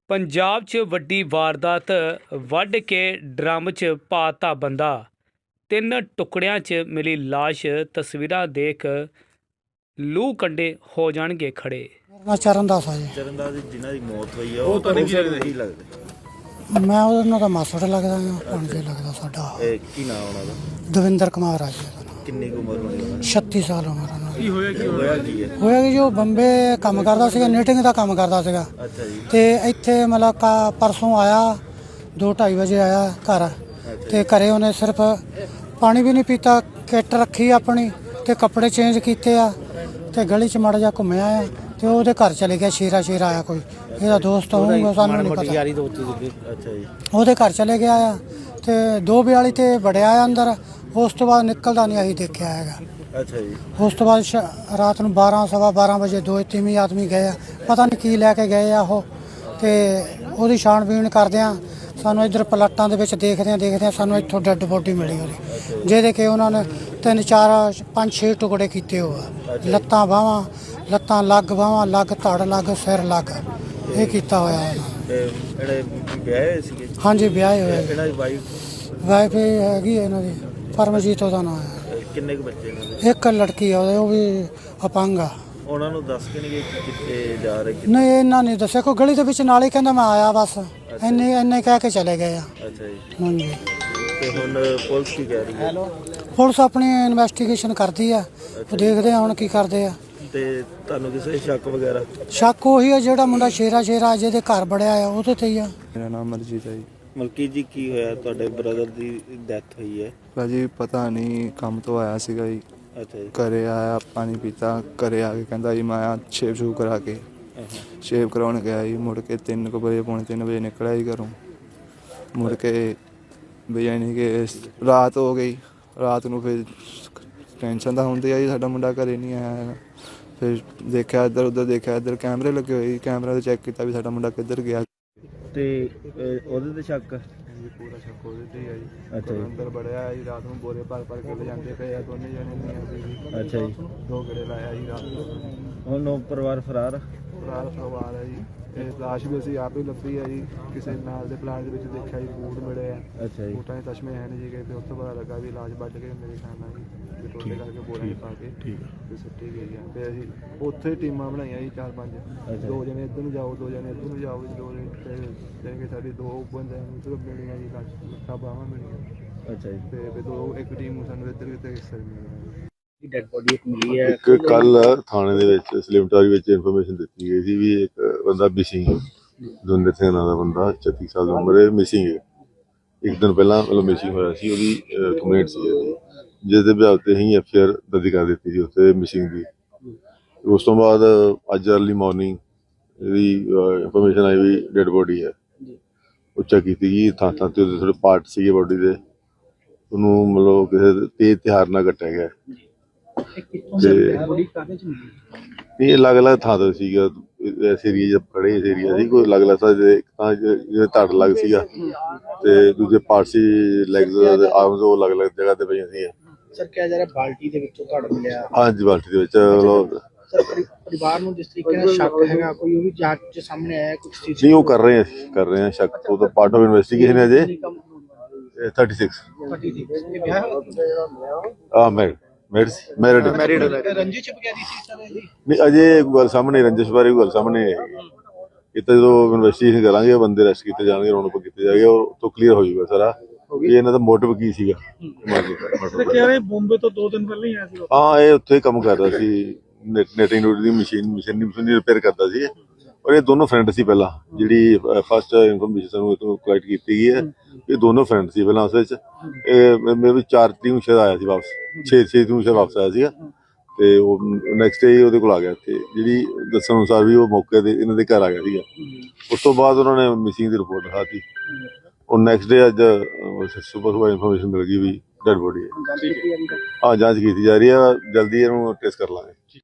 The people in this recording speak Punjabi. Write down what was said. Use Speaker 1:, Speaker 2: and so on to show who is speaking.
Speaker 1: ਪੰਜਾਬ 'ਚ ਵੱਡੀ ਵਾਰਦਾਤ ਵੱਢ ਕੇ ਡਰਮ 'ਚ ਪਾਤਾ ਬੰਦਾ। 3 ਟੁਕੜਿਆਂ 'ਚ ਮਿਲੀ ਲਾਸ਼। ਤਸਵੀਰਾਂ ਦੇਖ ਲੂ ਕੰਡੇ ਹੋ ਜਾਣਗੇ ਖੜੇ।
Speaker 2: ਮੈਂ ਚਰਨਦਾਸ ਆ ਜੀ।
Speaker 3: ਚਰਨਦਾਸ ਦੀ ਜਿਨ੍ਹਾਂ ਦੀ ਮੌਤ ਹੋਈ ਆ ਉਹ ਤੁਹਾਨੂੰ ਕੀ ਲੱਗਦਾ?
Speaker 2: ਮੈਂ ਉਹਨਾਂ ਦਾ ਮਾਸੜ ਲੱਗਦਾ ਹਾਂ, ਭਾਣਜਾ ਲੱਗਦਾ ਸਾਡਾ।
Speaker 3: ਇਹ ਕੀ ਨਾਮ ਉਹਨਾਂ ਦਾ?
Speaker 2: ਦਵਿੰਦਰ ਕੁਮਾਰ ਆ ਜੀ।
Speaker 3: ਕਿੰਨੀ ਕੁ ਉਮਰ ਹੋਣੀ ਉਹਨਾਂ ਦੀ?
Speaker 2: 36 ਸਾਲ ਉਮਰ ਉਹਨਾਂ ਦੀ।
Speaker 3: ਕੀ ਹੋਇਆ ਕੀ ਹੈ?
Speaker 2: ਹੋਇਆ ਕਿ ਜੋ ਬੰਬੇ ਕੰਮ ਕਰਦਾ ਸੀਗਾ, ਨੀਟਿੰਗ ਦਾ ਕੰਮ ਕਰਦਾ ਸੀਗਾ।
Speaker 3: ਅੱਛਾ ਜੀ।
Speaker 2: ਤੇ ਇੱਥੇ ਮਤਲਬ ਪਰਸੋਂ ਆਇਆ 2-2:30 ਵਜੇ ਆਇਆ ਘਰ। ਤੇ ਘਰੇ ਉਹਨੇ ਸਿਰਫ ਪਾਣੀ ਵੀ ਨਹੀਂ ਪੀਤਾ, ਕਿੱਟ ਰੱਖੀ ਆਪਣੀ ਤੇ ਕੱਪੜੇ ਚੇਂਜ ਕੀਤੇ ਆ ਤੇ ਗਲੀ 'ਚ ਮਾੜਾ ਜਿਹਾ ਘੁੰਮਿਆ ਆ ਤੇ ਉਹਦੇ ਘਰ ਚਲੇ ਗਿਆ। ਸ਼ੇਰਾ ਆਇਆ ਕੋਈ ਇਹਦਾ ਦੋਸਤ ਹੋਊਗਾ, ਸਾਨੂੰ ਨਹੀਂ ਪਤਾ।
Speaker 3: ਅੱਛਾ ਜੀ।
Speaker 2: ਉਹਦੇ ਘਰ ਚਲੇ ਗਿਆ ਆ ਤੇ 2:42 ਤੇ ਵੜਿਆ ਆ ਅੰਦਰ। ਉਸ ਤੋਂ ਬਾਅਦ ਨਿਕਲਦਾ ਨਹੀਂ ਅਸੀਂ ਦੇਖਿਆ ਹੈਗਾ।
Speaker 3: ਅੱਛਾ ਜੀ।
Speaker 2: ਉਸ ਤੋਂ ਬਾਅਦ ਰਾਤ ਨੂੰ 12-12:15 ਵਜੇ 2-3 ਆਦਮੀ ਗਏ ਆ, ਪਤਾ ਨਹੀਂ ਕੀ ਲੈ ਕੇ ਗਏ ਆ ਉਹ। ਤੇ ਉਹਦੀ ਛਾਣਬੀਣ ਕਰਦੇ ਆ, ਸਾਨੂੰ ਇੱਧਰ ਪਲਾਟਾਂ ਦੇ ਵਿੱਚ ਦੇਖਦੇ ਆ ਸਾਨੂੰ ਇੱਥੋਂ ਡੈੱਡ ਬੋਡੀ ਮਿਲੀ ਉਹਦੀ, ਜਿਹਦੇ ਕਿ ਉਹਨਾਂ ਨੇ 3-4-5-6 ਟੁਕੜੇ ਕੀਤੇ ਹੋਆ। ਲੱਤਾਂ ਬਾਹਾਂ, ਲੱਤਾਂ ਲੱਗ ਬਾਹਾਂ ਲੱਗ, ਧੜ ਲੱਗ, ਸਿਰ ਲੱਗ, ਇਹ ਕੀਤਾ ਹੋਇਆ ਉਹਨਾਂ।
Speaker 3: ਜਿਹੜੇ ਵਿਆਹੇ ਹੋਏ ਸੀਗੇ?
Speaker 2: ਹਾਂਜੀ ਵਿਆਹੇ ਹੋਏ।
Speaker 3: ਇਹਨਾਂ ਦੀ
Speaker 2: ਵਾਈਫ ਹੈਗੀ ਇਹਨਾਂ ਦੀ, ਪਰਮਜੀਤ ਉਹਦਾ ਨਾਮ ਹੈ।
Speaker 3: ਕਿੰਨੇ ਕੁ ਬੱਚੇ ਇਹਨਾਂ ਦੇ?
Speaker 2: ਇੱਕ ਲੜਕੀ ਆ ਉਹ ਵੀ ਅਪੰਗ ਆ।
Speaker 3: ਉਹਨਾਂ ਨੂੰ ਦੱਸ ਕੇ ਨਹੀਂ ਗਏ ਕਿ ਕਿੱਥੇ ਜਾ ਰਹੇ?
Speaker 2: ਨਹੀਂ ਇਹਨਾਂ ਨੇ ਦੱਸਿਆ, ਕੋਈ ਗਲੀ ਦੇ ਵਿੱਚ ਨਾਲ ਹੀ ਕਹਿੰਦਾ ਮੈਂ ਆਇਆ ਬਸ, ਇੰਨੇ ਕਹਿ ਕੇ ਚਲੇ ਗਏ ਆ।
Speaker 3: ਅੱਛਾ ਜੀ।
Speaker 2: ਹਾਂਜੀ।
Speaker 3: ਤੇ ਹੁਣ ਪੁਲਿਸ ਕੀ ਕਹਿ ਰਹੀ ਹੈ?
Speaker 2: ਪੁਲਿਸ ਆਪਣੀ ਇਨਵੈਸਟੀਗੇਸ਼ਨ ਕਰਦੀ ਆ, ਉਹ ਦੇਖਦੇ ਆ ਹੁਣ ਕੀ ਕਰਦੇ ਆ।
Speaker 3: ਤੇ ਤੁਹਾਨੂੰ ਕਿਸੇ ਸ਼ੱਕ ਵਗੈਰਾ?
Speaker 2: ਸ਼ੱਕ ਉਹੀ ਆ ਜਿਹੜਾ ਮੁੰਡਾ ਸ਼ੇਰਾ ਜਿਹਦੇ ਘਰ ਬੜਿਆ ਆ ਉਹਦੇ ਤੇ ਹੀ ਆ।
Speaker 4: ਮੇਰਾ ਨਾਮ ਮਰਜੀਤ ਹੈ ਜੀ।
Speaker 3: ਮਲਕੀ ਜੀ, ਕੀ ਹੋਇਆ? ਤੁਹਾਡੇ ਬ੍ਰਦਰ ਦੀ ਡੈਥ ਹੋਈ ਹੈ।
Speaker 4: ਭਾਜੀ ਪਤਾ ਨਹੀਂ, ਕੰਮ ਤੋਂ ਆਇਆ ਸੀਗਾ ਜੀ।
Speaker 3: ਅੱਛਾ ਜੀ।
Speaker 4: ਘਰੇ ਆਇਆ, ਪਾਣੀ ਪੀਤਾ, ਘਰੇ ਆ ਕੇ ਕਹਿੰਦਾ ਜੀ ਮੈਂ ਆਇਆ ਸ਼ੇਵ ਕਰਾ ਕੇ। ਸ਼ੇਵ ਕਰਾਉਣ ਗਿਆ ਜੀ, ਮੁੜ ਕੇ 3 ਵਜੇ ਪੌਣੇ 3 ਵਜੇ ਨਿਕਲਿਆ ਜੀ ਘਰੋਂ। ਮੁੜ ਕੇ ਵੀ ਯਾਨੀ ਕਿ ਰਾਤ ਹੋ ਗਈ। ਰਾਤ ਨੂੰ ਫਿਰ ਟੈਨਸ਼ਨ ਤਾਂ ਹੁੰਦੀ ਆ ਜੀ, ਸਾਡਾ ਮੁੰਡਾ ਘਰੇ ਨਹੀਂ ਆਇਆ ਹੈਗਾ। ਫਿਰ ਦੇਖਿਆ ਇੱਧਰ ਉੱਧਰ, ਦੇਖਿਆ ਇੱਧਰ ਕੈਮਰੇ ਲੱਗੇ ਹੋਏ, ਕੈਮਰਾ ਤੇ ਚੈੱਕ ਕੀਤਾ ਵੀ ਸਾਡਾ ਮੁੰਡਾ ਕਿੱਧਰ ਗਿਆ।
Speaker 3: ਤੇ ਉਹਦੇ ਤੇ ਸ਼ੱਕ?
Speaker 4: ਪੂਰਾ ਸ਼ੱਕ ਉਹਦੇ ਤੇ ਹੀ ਆ ਜੀ।
Speaker 3: ਅੱਛਾ ਜੀ।
Speaker 4: ਅੰਦਰ ਬੜਿਆ ਜੀ, ਰਾਤ ਨੂੰ ਬੋਰੇ ਭਰ ਕੇ ਲੈ ਜਾਂਦੇ ਪਏ ਆ ਦੋਨੇ ਜਣੇ ਨਹੀਂ।
Speaker 3: ਅੱਛਾ ਜੀ।
Speaker 4: 2 ਗੇੜੇ ਲਾਇਆ ਜੀ ਰਾਤ ਨੂੰ।
Speaker 3: ਹੁਣ ਉਹ ਪਰਿਵਾਰ ਫਰਾਰ?
Speaker 4: ਫਰਾਰ ਪਰਿਵਾਰ ਹੈ ਜੀ। ਇਹ ਲਾਸ਼ ਵੀ ਅਸੀਂ ਆਪ ਹੀ ਲੱਭੀ ਹੈ ਜੀ, ਕਿਸੇ ਨਾਲ ਦੇ ਪਲਾਟ ਦੇ ਵਿੱਚ ਦੇਖਿਆ ਜੀ, ਬੂਟ ਮਿਲੇ ਆ।
Speaker 3: ਅੱਛਾ ਜੀ।
Speaker 4: ਬੂਟਾਂ ਦੇ ਤਸ਼ਮੇ ਹੈ ਨਹੀਂ ਜੀ, ਤੇ ਉਸ ਤੋਂ ਪਤਾ ਲੱਗਾ ਵੀ ਲਾਸ਼ ਵੱਢ ਕੇ ਮੇਰੇ ਖਿਆਲ ਨਾਲ ਜੀ ਟੋਟੇ ਕਰਕੇ ਬੋਰੇ 'ਚ ਪਾ ਕੇ ਤੇ ਸੁੱਟੀ ਗਈ ਆ। ਤੇ ਅਸੀਂ ਉੱਥੇ ਟੀਮਾਂ ਬਣਾਈਆਂ ਜੀ 4-5, 2 ਜਣੇ ਇੱਧਰ ਨੂੰ ਜਾਓ, 2 ਜਣੇ ਇੱਧਰ ਨੂੰ ਜਾਓ ਜੀ, 2 ਜਣੇ ਕਿ ਸਾਡੀ 2 ਬੰਦੇ ਨੂੰ ਸਿਰਫ ਮਿਲੀਆਂ ਜੀ, ਲੱਤਾਂ ਬਾਹਾਂ ਮਿਲੀਆਂ।
Speaker 3: ਅੱਛਾ ਜੀ।
Speaker 4: ਤੇ ਇੱਕ ਟੀਮ ਨੂੰ ਸਾਨੂੰ ਇੱਧਰ ਕਿਤੇ ਹਿੱਸਾ ਮਿਲਿਆ।
Speaker 3: ਡੈਡ ਬੋਡੀ ਇੱਕ ਮਿਲੀ ਹੈ।
Speaker 5: ਇੱਕ ਕੱਲ ਥਾਣੇ ਦੇ ਵਿੱਚ ਸਲਿਮਟਾਰੀ ਵਿੱਚ ਇਨਫੋਰਮੇਸ਼ਨ ਦਿੱਤੀ ਗਈ ਸੀ ਵੀ ਇੱਕ ਬੰਦਾ ਮਿਸਿੰਗ ਹੈ। ਦਵਿੰਦਰ ਸਿੰਘ ਨਾਂ ਦਾ ਬੰਦਾ, 36 ਸਾਲ ਦੀ ਉਮਰ ਹੈ, ਮਿਸਿੰਗ ਹੈ। ਇੱਕ ਦਿਨ ਪਹਿਲਾਂ ਮਤਲਬ ਮਿਸਿੰਗ ਹੋਇਆ ਸੀ, ਉਹਦੀ ਕੰਪਲੇਂਟ ਸੀ ਜਿਸ ਦੇ ਬਿਆਨ ਤੇ ਹੀ ਐਫਆਈਆਰ ਦਰਜ ਕਰ ਦਿੱਤੀ ਸੀ ਉੱਥੇ ਮਿਸਿੰਗ ਦੀ। ਉਸ ਤੋਂ ਬਾਅਦ ਅੱਜ ਅਰਲੀ ਮਾਰਨਿੰਗ ਇਹਦੀ ਇਨਫੋਰਮੇਸ਼ਨ ਆਈ ਵੀ ਡੈਡ ਬੋਡੀ ਹੈ। ਉਹ ਚੈੱਕ ਕੀਤੀ ਗਈ, ਥਾਂ ਥਾਂ ਤੇ ਉਹਦੇ ਥੋੜ੍ਹੇ ਪਾਰਟ ਸੀਗੇ ਬੋਡੀ ਦੇ, ਉਹਨੂੰ ਮਤਲਬ ਕਿਸੇ ਤੇਜ਼ ਹਥਿਆਰ ਨਾਲ ਕੱਟਿਆ ਗਿਆ। ਇਹ ਅਲੱਗ-ਅਲੱਗ ਥਾਂ ਤੇ ਸੀਗਾ, ਇਸ ਏਰੀਏ 'ਚ ਖੜੇ, ਇਸ ਏਰੀਆ ਸੀ ਕੋਈ ਅਲੱਗ-ਅਲੱਗ ਥਾਂ ਤੇ। ਇੱਕ ਤਾਂ ਜਿਹਦੇ ਧੜ ਲੱਗ ਸੀਗਾ ਤੇ ਦੂਜੇ ਪਾਰਟ ਸੀ ਲੈਗਸ ਤੇ ਆਰਮਸ, ਉਹ ਅਲੱਗ-ਅਲੱਗ ਜਗ੍ਹਾ ਤੇ ਪਈਆਂ ਸੀ।
Speaker 6: ਸਰ ਕਿਹਾ ਜਾ ਰਿਹਾ ਬਾਲਟੀ ਦੇ ਵਿੱਚੋਂ ਧੜ ਮਿਲਿਆ?
Speaker 5: ਹਾਂਜੀ, ਬਾਲਟੀ ਦੇ ਵਿੱਚ।
Speaker 6: ਸਰ ਪਰਿਵਾਰ ਨੂੰ ਜਿਸ ਤਰੀਕੇ ਨਾਲ ਸ਼ੱਕ ਹੈਗਾ, ਕੋਈ ਉਹ ਵੀ ਜਾਂਚ 'ਚ ਸਾਹਮਣੇ ਆਇਆ ਕੁਝ ਚੀਜ਼?
Speaker 5: ਨਹੀਂ, ਉਹ ਕਰ ਰਹੇ ਆ ਸ਼ੱਕ, ਉਹ ਤਾਂ ਪਾਰਟ ਆਫ ਇਨਵੈਸਟੀਗੇਸ਼ਨ ਹੈ ਅਜੇ। 36
Speaker 6: ਇਹ ਵਿਆਹ
Speaker 5: ਮੈਰਿਡ
Speaker 6: ਰੰਜਿਸ਼ ਵਗੈਰੀ ਸੀ ਸਰ ਇਹਦੀ?
Speaker 5: ਨਹੀਂ, ਅਜੇ ਗੱਲ ਸਾਹਮਣੇ, ਰੰਜਿਸ਼ ਬਾਰੇ ਗੱਲ ਸਾਹਮਣੇ ਹੈ। ਇਹ ਤਾਂ ਜਦੋਂ ਇਨਵੈਸਟੀਗੇਸ਼ਨ ਕਰਾਂਗੇ ਬੰਦੇ ਅਰੈਸਟ ਕੀਤੇ ਜਾਣਗੇ, ਰੌਣ ਉੱਪਰ ਕੀਤੇ ਜਾਣਗੇ, ਉਹ ਤੋਂ ਕਲੀਅਰ ਹੋ ਜਾਊਗਾ ਸਾਰਾ ਵੀ ਇਹਨਾਂ ਦਾ ਮੋਟਿਵ ਕੀ ਸੀਗਾ।
Speaker 6: ਬੰਬੇ ਤੋਂ 2 ਦਿਨ ਪਹਿਲਾਂ ਹੀ ਆਇਆ ਸੀ?
Speaker 5: ਹਾਂ, ਇਹ ਉੱਥੇ ਕੰਮ ਕਰਦਾ ਸੀ, ਨੈਟਿੰਗ ਦੀ ਮਸ਼ੀਨ ਰਿਪੇਅਰ ਕਰਦਾ ਸੀ। ਔਰ ਇਹ ਦੋਨੋਂ ਫਰੈਂਡ ਸੀ ਪਹਿਲਾਂ, ਜਿਹੜੀ ਫਸਟ ਇਨਫੋਰਮੇਸ਼ਨ ਸਾਨੂੰ ਇੱਥੋਂ ਕਲੈਕਟ ਕੀਤੀ ਗਈ ਹੈ। ਇਹ ਦੋਨੋਂ ਫਰੈਂਡ ਸੀ ਪਹਿਲਾਂ। ਉਸ ਵਿੱਚ ਇਹ ਮੇਰੇ 4 ਤਰੀਕ ਨੂੰ ਸ਼ਾਇਦ ਆਇਆ ਸੀ ਵਾਪਸ, 6 ਤਰੀਕ ਨੂੰ ਸ਼ਾਇਦ ਵਾਪਸ ਆਇਆ ਸੀਗਾ। ਤੇ ਉਹ ਨੈਕਸਟ ਡੇ ਉਹਦੇ ਕੋਲ ਆ ਗਿਆ ਇੱਥੇ, ਜਿਹੜੀ ਦੱਸਣ ਅਨੁਸਾਰ ਵੀ ਉਹ ਮੌਕੇ ਤੇ ਇਹਨਾਂ ਦੇ ਘਰ ਆ ਗਿਆ ਸੀਗਾ। ਉਸ ਤੋਂ ਬਾਅਦ ਉਹਨਾਂ ਨੇ ਮਿਸਿੰਗ ਦੀ ਰਿਪੋਰਟ ਲਿਖਾਤੀ। ਉਹ ਨੈਕਸਟ ਡੇ ਅੱਜ ਸੁਬਹ ਇਨਫੋਰਮੇਸ਼ਨ ਮਿਲ ਗਈ ਵੀ ਡੈਡ ਬੋਡੀ ਹੈ। ਹਾਂ, ਜਾਂਚ ਕੀਤੀ ਜਾ ਰਹੀ ਹੈ, ਜਲਦੀ ਇਹਨੂੰ ਟੈਸਟ ਕਰ ਲਾਂਗੇ।